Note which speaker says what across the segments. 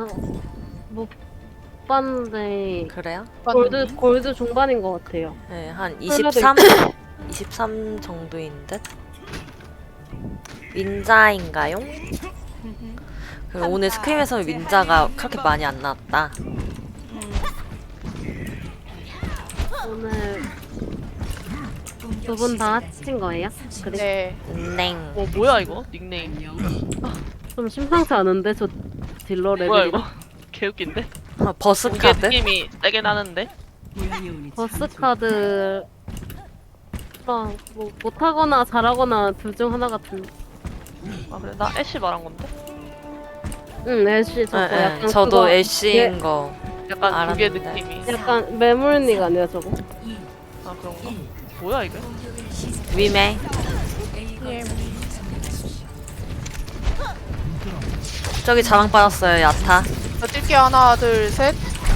Speaker 1: 못 봤는데
Speaker 2: 그래요?
Speaker 1: 골드 중반인 것 같아요.
Speaker 2: 네, 한
Speaker 1: 컬러도
Speaker 2: 23 정도인 듯? 윈자인가요? 그리고 오늘 스크림에서 윈자가 그렇게 많이 안 나왔다.
Speaker 1: 오늘 두 분 다 하신 거예요? 그래?
Speaker 3: 네.
Speaker 2: 냉.
Speaker 4: 뭐야 이거? 닉네임
Speaker 1: 좀 심상치 않은데 저 딜러
Speaker 4: 뭐야
Speaker 1: 레벨이
Speaker 4: 이거? 개웃긴데?
Speaker 2: 버스
Speaker 4: 무게
Speaker 2: 카드?
Speaker 4: 느낌이 세게 나는데?
Speaker 1: 버스 카드 뭐 못하거나 잘하거나 둘 중 하나 같은.
Speaker 4: 아 그래? 나 애쉬 말한 건데?
Speaker 1: 응, 애쉬 저거
Speaker 2: 네,
Speaker 1: 약간
Speaker 2: 저도
Speaker 1: 그거
Speaker 2: 애쉬인 거
Speaker 4: 약간 무게
Speaker 2: 알았는데.
Speaker 4: 느낌이
Speaker 1: 약간 매물닉 아니야 저거?
Speaker 4: 아 그런가? 뭐야 이게?
Speaker 2: 위메. 저기 자망 빠졌어요, 야타.
Speaker 3: 자, 뛸게 하나, 둘, 셋.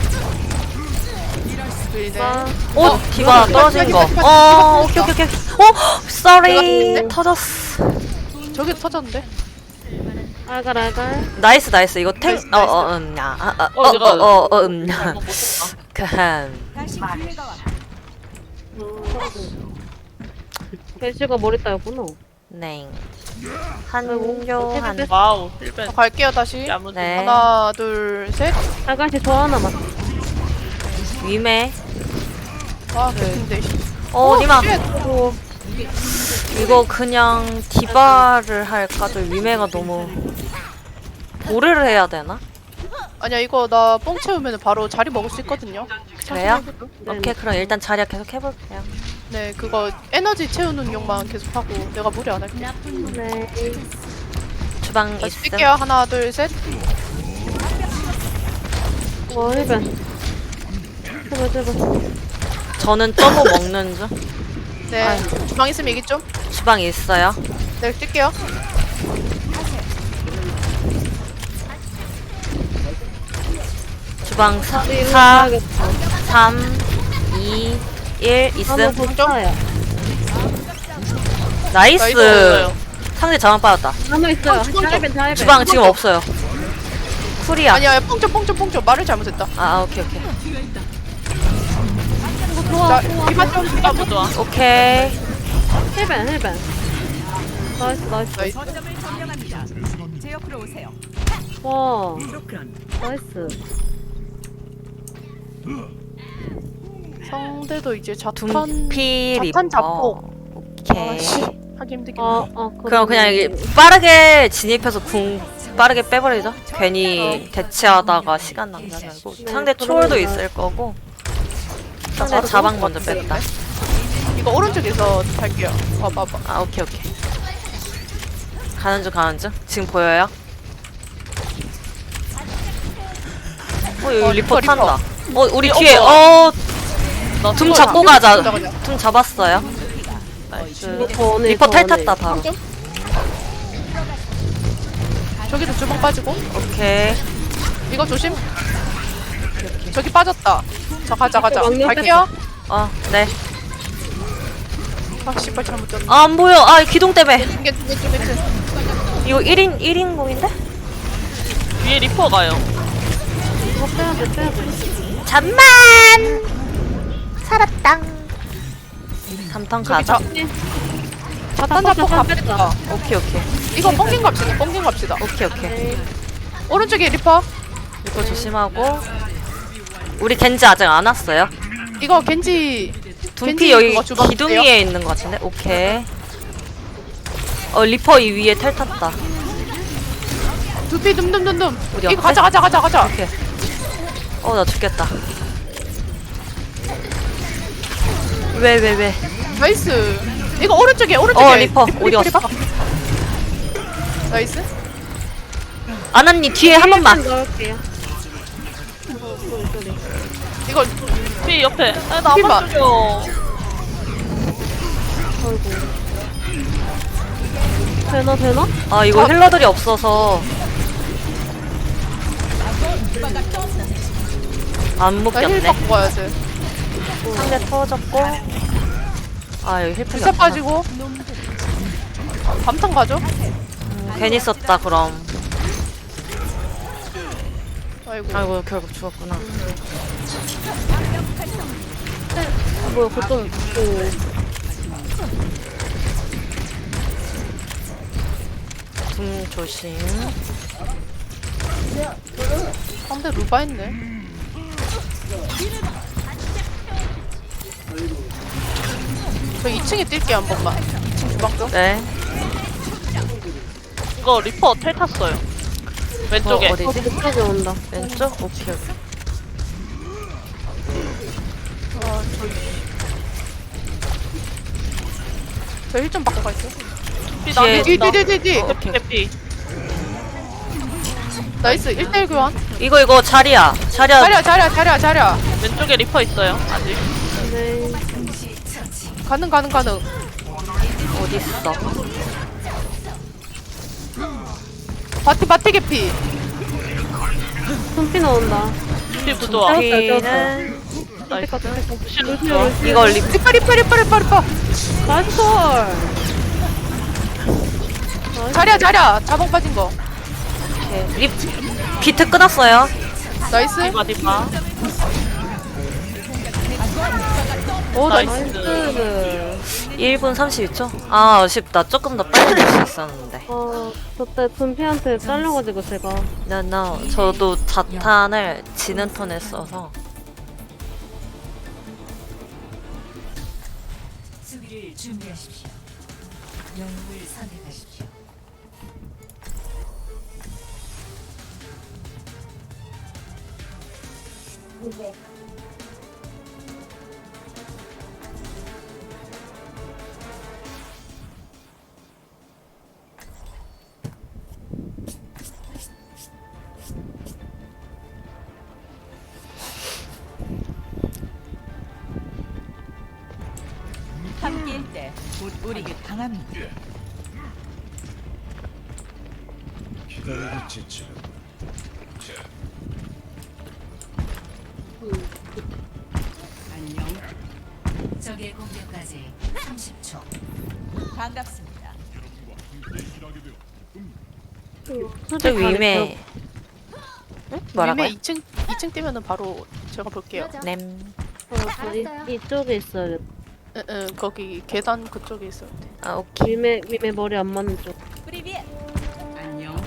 Speaker 3: 둘이네.
Speaker 2: 오! 디바 떨어진 거. 오케이, 오케이, 오케이. sorry. 터졌어.
Speaker 3: 저기도 터졌는데?
Speaker 1: 알갈.
Speaker 2: 나이스, 나이스. 이거 탱, 야.
Speaker 4: 내가
Speaker 2: 그한.
Speaker 1: 애쉬가 머리 따였구나.
Speaker 2: 냉. 한조, 한.
Speaker 4: 와우 힐벤
Speaker 3: 갈게요, 다시.
Speaker 4: 야무지
Speaker 2: 네.
Speaker 3: 하나, 둘, 셋.
Speaker 1: 알갈씨 저 하나만.
Speaker 2: 위메.
Speaker 3: 아, 개핀데.
Speaker 2: 니마.
Speaker 3: 쉣.
Speaker 2: 이거 그냥 디바를 할까? 저 위메가 너무. 보르를 해야 되나?
Speaker 3: 아니야, 이거 나 뽕 채우면 바로 자리 먹을 수 있거든요.
Speaker 2: 그래요?
Speaker 1: 네.
Speaker 2: 오케이, 그럼 일단 자리야 계속 해볼게요.
Speaker 3: 네, 그거 에너지 채우는 용만 계속 하고 내가 무리 안 할게.
Speaker 1: 네.
Speaker 2: 주방
Speaker 3: 다시
Speaker 2: 있음.
Speaker 3: 뛸게요. 하나, 둘, 셋.
Speaker 1: 와 힐벤. 제발.
Speaker 2: 저는 점호 먹는 중.
Speaker 3: 네, 주방 있으면 얘기 좀.
Speaker 2: 주방 있어요.
Speaker 3: 네, 뛸게요.
Speaker 2: 주방 4,
Speaker 1: 아,
Speaker 2: 3, 2, 1
Speaker 1: 한번
Speaker 2: 있음.
Speaker 1: 볼까요?
Speaker 2: 나이스.
Speaker 3: 나이스.
Speaker 2: 상대 자망 빠졌다.
Speaker 1: 한번 있어요.
Speaker 3: 주방 좀.
Speaker 1: 잘해벤.
Speaker 2: 주방 지금 없어요. 쿨이야.
Speaker 3: 아니야, 뽕좀. 말을 잘못했다.
Speaker 2: 오케이.
Speaker 3: 자, 이만 좀.
Speaker 4: 너무 좋아
Speaker 2: 오케이.
Speaker 1: 힐벤. 나이스.
Speaker 3: 나이스.
Speaker 1: 와. 나이스.
Speaker 3: 상대도 이제 자탄
Speaker 2: 둠피 리퍼.
Speaker 3: 자탄 잡고.
Speaker 2: 오케이.
Speaker 3: 하기 힘들긴
Speaker 2: 그럼 그냥 이게 빠르게 진입해서 궁 빠르게 빼버리죠. 괜히 대치하다가 시간 낭비하지 말고.
Speaker 1: 네,
Speaker 2: 상대 초월도 있을 거고. 상대
Speaker 3: 바로
Speaker 2: 자방
Speaker 3: 좋을
Speaker 2: 먼저
Speaker 3: 것
Speaker 2: 뺐다.
Speaker 3: 이거 오른쪽에서 할게요. 봐봐.
Speaker 2: 오케이. 가는 중. 지금 보여요? 여기 리퍼
Speaker 3: 리퍼.
Speaker 2: 탄다. 우리
Speaker 3: 어,
Speaker 2: 뒤에,
Speaker 3: 뭐야.
Speaker 2: 둠 잡고 가자.
Speaker 3: 그냥.
Speaker 2: 둠 잡았어요.
Speaker 4: 나이스
Speaker 2: 리퍼 탈 탔다, 바로.
Speaker 3: 좀. 저기도 주방 빠지고.
Speaker 2: 오케이.
Speaker 3: 이거 조심. 저기 빠졌다. 자, 가자.
Speaker 1: 왕년
Speaker 3: 갈게요.
Speaker 2: 네.
Speaker 3: 아, 씨발 잘못 졌네.
Speaker 2: 안 보여. 기둥 때문에.
Speaker 3: ting게.
Speaker 2: 이거 1인 공인데?
Speaker 4: 위에 리퍼 가요
Speaker 1: 이거 빼야돼.
Speaker 2: 잠만! 살았당. 3턴 가자.
Speaker 3: 자탄 잡고
Speaker 1: 자탄
Speaker 3: 갑시다.
Speaker 2: 오케이.
Speaker 3: 이거 뻥king 갑시다.
Speaker 2: 오케이.
Speaker 3: 오른쪽에 리퍼.
Speaker 2: 이거 조심하고. 우리 겐지 아직 안 왔어요.
Speaker 3: 이거 겐지
Speaker 2: 둠피 여기
Speaker 3: 그거 주방
Speaker 2: 기둥
Speaker 3: 주세요.
Speaker 2: 위에 있는 것 같은데? 오케이. 리퍼 이 위에 텔 탔다.
Speaker 3: 두피 둠.
Speaker 2: 어디
Speaker 3: 이거
Speaker 2: 앞에?
Speaker 3: 가자.
Speaker 2: 오케이. 나 죽겠다. 왜?
Speaker 3: 나이스. 이거 오른쪽에.
Speaker 2: 리퍼. 어디 갔어?
Speaker 3: 나이스.
Speaker 2: 아나님 뒤에 한 번만.
Speaker 1: 넣을게요.
Speaker 3: 이거
Speaker 4: 피 옆에 나안
Speaker 3: 피만.
Speaker 4: 맞춰줘
Speaker 1: 되나?
Speaker 2: 이거 힐러들이 없어서 안
Speaker 3: 나 힐
Speaker 2: 묶였네.
Speaker 3: 받고 가야 돼.
Speaker 2: 상대 터졌고. 여기 힐팩이
Speaker 3: 불사
Speaker 2: 없구나.
Speaker 3: 빠지고. 밤탕 가죠?
Speaker 2: 괜히 썼다 그럼.
Speaker 3: 아이고.
Speaker 2: 아이고 결국 죽었구나.
Speaker 1: 뭐야 보통
Speaker 2: 조심.
Speaker 3: 상대 루바 했네. 저 2층에 뛸게요 한 번만. 2층 주방 좀.
Speaker 2: 네.
Speaker 4: 이거 리퍼 텔 탔어요. 왼쪽에.
Speaker 2: 어디지?
Speaker 1: 그쪽에 온다.
Speaker 2: 왼쪽? 오케이.
Speaker 3: 저 힐 좀 받고 갈게요.
Speaker 2: 뒤에
Speaker 3: 뒤.
Speaker 2: 오케이.
Speaker 4: 개피.
Speaker 3: 나이스. 1대1 교환.
Speaker 2: 이거 자리야.
Speaker 3: 자리야.
Speaker 4: 왼쪽에 리퍼 있어요. 아직.
Speaker 1: 네.
Speaker 3: 가능.
Speaker 2: 어딨어?
Speaker 3: 바티 개피.
Speaker 1: 손피 나온다.
Speaker 4: 피 부조화.
Speaker 2: 피는
Speaker 4: 나이스.
Speaker 2: 이거 리
Speaker 3: 리퍼.
Speaker 1: 나이스.
Speaker 3: 자리야. 자봉 빠진 거.
Speaker 2: 리 비트 끊었어요.
Speaker 3: 나이스.
Speaker 4: 디바.
Speaker 3: 오 나이스.
Speaker 1: 나이스.
Speaker 2: 1분 32초? 아 아쉽다. 조금 더 빨리 될 수 있었는데.
Speaker 1: 저때 분피한테 잘려가지고 제가
Speaker 2: No. 저도 자탄을 지는 턴에 써서
Speaker 5: 수비를 준비하십시오. 영웅을 선택하십시오. 함께일 때 우리가 강합니다.
Speaker 6: 기다리고 지쳐.
Speaker 5: 안녕. 적의 공격까지 30초. 반갑습니다.
Speaker 2: 저 위메 뭐라고요?
Speaker 3: 위메 2층 뛰면은 바로 제가 볼게요.
Speaker 2: 냄.
Speaker 1: 이쪽에 있어요.
Speaker 3: 응, 거기 계단 그쪽에 있어야 돼.
Speaker 2: 아 오케이.
Speaker 1: 위메 머리 안 맞는 쪽.
Speaker 5: 프리비엣. 안녕.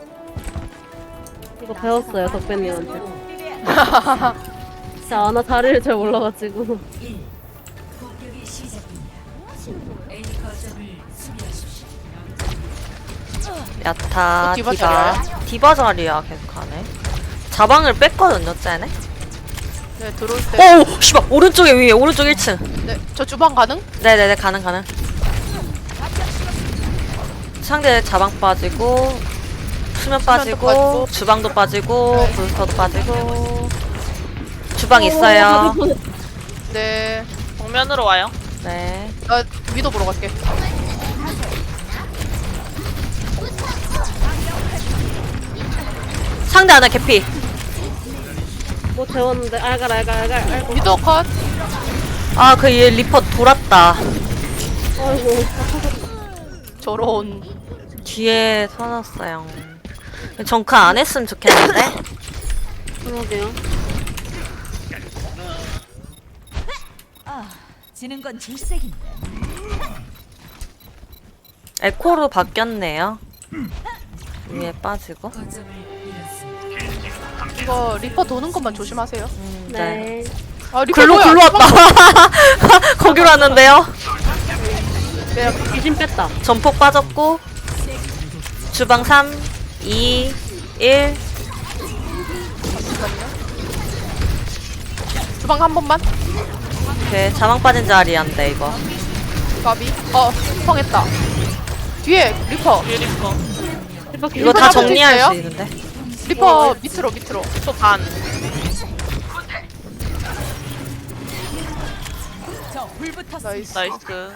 Speaker 1: 이거 배웠어요 덕배님한테.
Speaker 5: 프리비엣.
Speaker 1: 진짜 아나 자리를 잘 몰라가지고.
Speaker 5: 1. 공격이 시작됩니다. A 거점을 수비하십시오.
Speaker 2: 야타
Speaker 3: 디바
Speaker 2: 디바 자리야 계속 하네. 자방을 뺐거든요 쟤네.
Speaker 3: 네, 들어올 때.
Speaker 2: 오 씨발 오른쪽에 위에 오른쪽 1층.
Speaker 3: 네, 저 주방 가능?
Speaker 2: 네네네 가능. 상대 자방 빠지고 수면 빠지고
Speaker 3: 빠지고.
Speaker 2: 주방도 빠지고
Speaker 3: 네.
Speaker 2: 부스터도 빠지고 주방 있어요.
Speaker 3: 네.
Speaker 4: 정면으로 와요.
Speaker 2: 네.
Speaker 3: 나 위도 보러 갈게.
Speaker 2: 상대 하나 개피.
Speaker 1: 뭐 재웠는데 알갈.
Speaker 3: 위도 컷.
Speaker 2: 아 그 얘 리퍼 돌았다.
Speaker 1: 아이고.
Speaker 3: 저런.
Speaker 2: 뒤에 서놨어요. 정크 안 했으면 좋겠는데.
Speaker 1: 그러게요.
Speaker 5: 아, 지는 건 질색인데.
Speaker 2: 에코로 바뀌었네요. 위에 빠지고.
Speaker 5: 거점을 잃었습니다.
Speaker 3: 이거 리퍼 도는 것만 조심하세요.
Speaker 1: 네.
Speaker 3: 아, 리퍼
Speaker 2: 글로
Speaker 3: 뭐야?
Speaker 2: 왔다. 거기로 왔는데요.
Speaker 3: 네,
Speaker 1: 귀신 뺐다.
Speaker 2: 전폭 빠졌고 주방 3, 2, 1.
Speaker 3: 주방 한 번만.
Speaker 2: 오케이 자망 빠진 자리한데 이거.
Speaker 3: 가비. 성했다. 뒤에 리퍼.
Speaker 4: 뒤에 리퍼.
Speaker 2: 이거 다
Speaker 3: 잡을 수
Speaker 2: 정리할
Speaker 3: 있어요?
Speaker 2: 수 있는데.
Speaker 3: 리퍼 밑으로.
Speaker 4: 저 반.
Speaker 5: 저 불붙었습니다.
Speaker 3: 나이스.
Speaker 4: 나이스.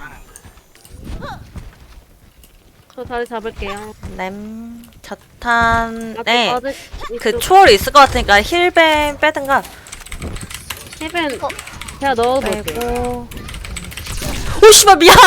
Speaker 1: 저 자리 잡을게요.
Speaker 2: 냄 자탄. 네.
Speaker 1: 아직
Speaker 2: 그
Speaker 1: 이쪽
Speaker 2: 초월이 있을 것 같으니까 힐벤 빼든가.
Speaker 1: 힐벤 제가 넣어볼게요.
Speaker 2: 빼고. 오 씨발 미안.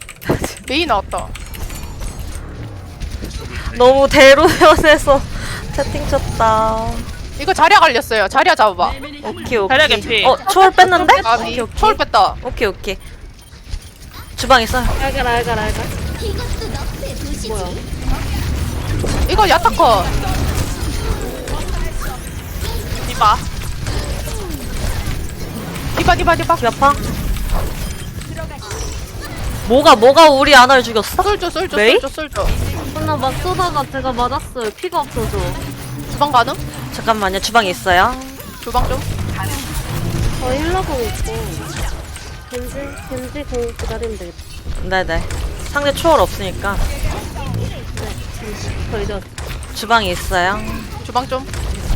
Speaker 3: 메이 나왔다.
Speaker 2: 너무 대로변에서 채팅 쳤다.
Speaker 3: 이거 자리야 걸렸어요. 자리야 잡아봐.
Speaker 2: 오케이 오케이.
Speaker 4: 자리야, 개피.
Speaker 2: 초월 뺐는데?
Speaker 3: 아,
Speaker 2: 오케이 오케이.
Speaker 3: 초월 뺐다.
Speaker 2: 오케이 오케이. 주방 있어요.
Speaker 1: 알갈. 뭐야?
Speaker 3: 이거 야타커.
Speaker 4: 디바.
Speaker 3: 디바.
Speaker 2: 기아파. 뭐가 우리 아나를 죽였어?
Speaker 3: 쏠줘.
Speaker 2: 메이?
Speaker 1: 나 막 쏘다가 제가 맞았어요. 피가 없어서.
Speaker 3: 주방 가능?
Speaker 2: 잠깐만요. 주방에 있어요.
Speaker 3: 주방 좀.
Speaker 1: 저 힐러공 있고. 겐지 공 기다리면 되겠다.
Speaker 2: 네네. 상대 초월 없으니까
Speaker 1: 저 이제
Speaker 2: 주방에 있어요.
Speaker 3: 주방 좀.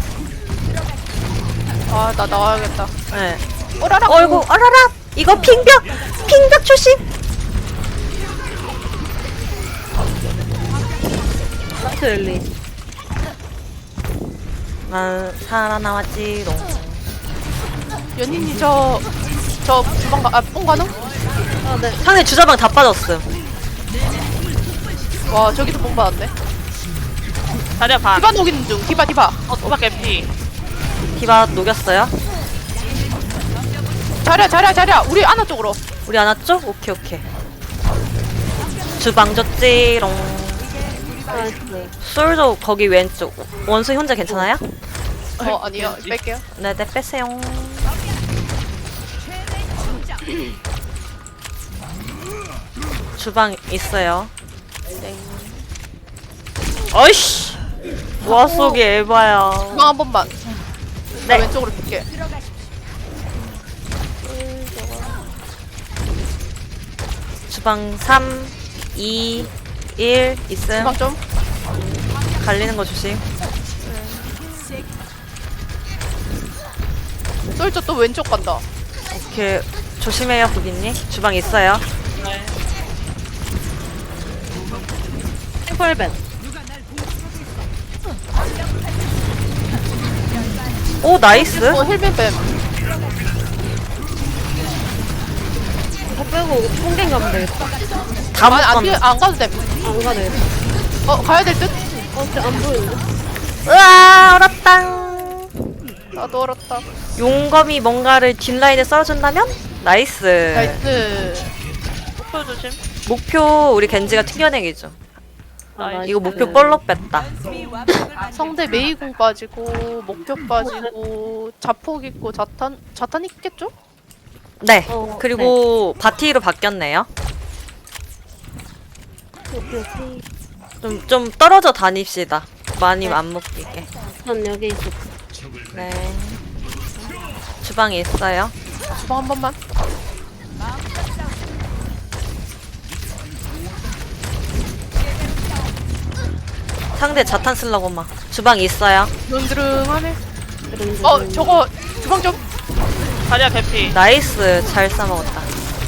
Speaker 3: 아, 나 나와야겠다.
Speaker 2: 네.
Speaker 3: 오라라.
Speaker 2: 어이구 어라라. 이거 핑벽 조심.
Speaker 1: 라트 엘리.
Speaker 2: 난 살아남았지롱.
Speaker 3: 연인이 저 주방 뽕 가능?
Speaker 1: 아, 네.
Speaker 2: 상대 주자방 다 빠졌음.
Speaker 3: 와, 저기도 뽕 받았네.
Speaker 4: 자리야 반.
Speaker 3: 디바 녹이는 중. 디바.
Speaker 4: 디바 개피.
Speaker 2: 디바 녹였어요.
Speaker 3: 자리야. 우리 아나 쪽으로.
Speaker 2: 우리 안 왔죠? 오케이. 주방 줬지롱.
Speaker 1: 나이스.
Speaker 2: 솔저 거기 왼쪽. 원숭이 혼자 괜찮아요?
Speaker 3: 아니요. 뺄게요.
Speaker 2: 네네 빼세요. 주방 있어요. 어이씨. 와 속이 에바야.
Speaker 3: 주방 한 번만. 나
Speaker 2: 네.
Speaker 3: 왼쪽으로 뺄게.
Speaker 2: 주방 3, 2, 1 있음.
Speaker 3: 주방 좀.
Speaker 2: 갈리는 거 조심.
Speaker 3: 쏠져 또 왼쪽 간다.
Speaker 2: 오케이. 조심해요 부기님. 주방 있어요.
Speaker 1: 템플벤.
Speaker 2: 오 나이스.
Speaker 3: 힐빈 뱀.
Speaker 1: 다 빼고 통갱 가면 되겠다.
Speaker 2: 다 묶었네.
Speaker 3: 안 가도 됨.
Speaker 1: 안 가네.
Speaker 3: 가야 될 듯?
Speaker 1: 진짜 안 보이는데?
Speaker 2: 으아 얼었당.
Speaker 3: 나도 얼었다.
Speaker 2: 용검이 뭔가를 뒷라인에 썰어준다면? 나이스.
Speaker 3: 나이스.
Speaker 4: 목표 조심.
Speaker 2: 목표 우리 겐지가 튕겨내기죠.
Speaker 4: 나이스.
Speaker 2: 이거 목표 뻘로 뺐다.
Speaker 3: 상대 메이공 빠지고 목표 빠지고 자폭 있고 자탄 있겠죠?
Speaker 2: 네.
Speaker 1: 어,
Speaker 2: 그리고 바티로 바뀌었네요.
Speaker 1: 오케이.
Speaker 2: 좀 떨어져 다닙시다. 많이
Speaker 1: 네.
Speaker 2: 안 먹히게.
Speaker 1: 전 여기 있어.
Speaker 2: 네. 주방에 있어요.
Speaker 3: 주방 한 번만.
Speaker 2: 상대 자탄 쓰려고 막. 주방에 있어요.
Speaker 3: 드릉드릉하네.
Speaker 1: 그런
Speaker 3: 저거 주방 좀.
Speaker 4: 자리야 개피.
Speaker 2: 나이스. 잘 싸먹었다.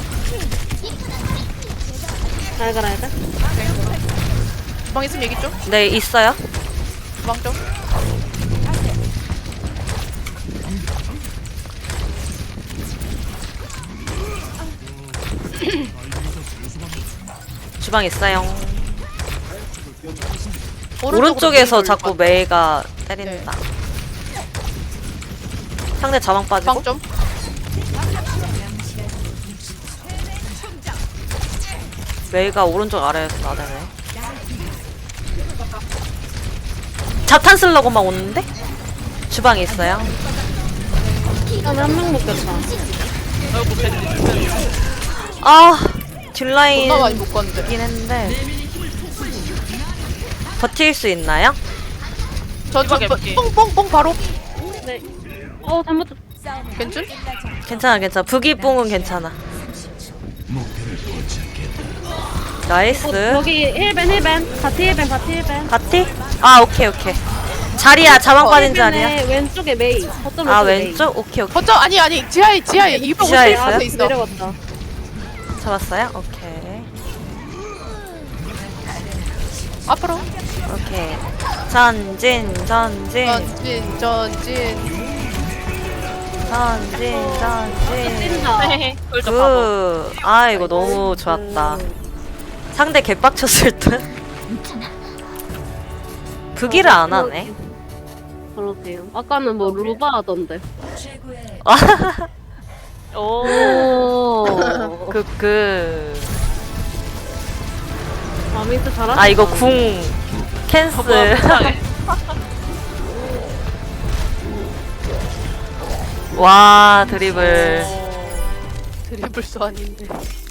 Speaker 1: 알갈.
Speaker 3: 주방 있으면 얘기 좀.
Speaker 2: 네, 있어요.
Speaker 3: 주방 좀.
Speaker 2: 주방 있어요.
Speaker 3: 오른쪽으로
Speaker 2: 오른쪽에서
Speaker 3: 메이를
Speaker 2: 자꾸
Speaker 3: 봐.
Speaker 2: 메이가 때린다. 상대 자망 빠지고.
Speaker 3: 주방 좀.
Speaker 2: 메이가 오른쪽 아래에서 나대네. 자탄 쓰려고 막 오는데? 주방에 있어요.
Speaker 1: 한명 먹겠다.
Speaker 4: 아이고 겐지.
Speaker 2: 아, 뒷라인
Speaker 3: 존나 많이 못 갔는데.
Speaker 2: 있긴 했는데. 버틸 수 있나요?
Speaker 3: 저
Speaker 4: 개피.
Speaker 3: 뽕뽕뽕 바로.
Speaker 1: 네. 잘못.
Speaker 3: 괜찮?
Speaker 2: 괜찮아. 부기뽕은 괜찮아. 나이스.
Speaker 1: 여기 힐벤. 바티 힐벤.
Speaker 2: 바티? 아, 오케이. 자리야, 자망 빠진 자리야.
Speaker 1: 왼쪽에 메이. 거점
Speaker 2: 아,
Speaker 1: 메이.
Speaker 2: 왼쪽? 오케이.
Speaker 3: 거점 아니 지하에 250
Speaker 2: 지하에 있어요?
Speaker 3: 앞에 있어.
Speaker 1: 내려갔다.
Speaker 2: 잡았어요? 오케이.
Speaker 3: 앞으로.
Speaker 2: 오케이. 전진.
Speaker 1: 찐다.
Speaker 4: 솔저 바보.
Speaker 2: 아, 이거 너무 좋았다. 상대 개빡쳤을 듯? 부기를 안 하네.
Speaker 1: 그러게요. 아까는 뭐 루바 하던데.
Speaker 5: 최고의
Speaker 4: 오.
Speaker 1: 오. 아미스 잘하셨다.
Speaker 2: 아 이거 궁 캔슬. 와 드리블.
Speaker 3: 드리블도 아닌데.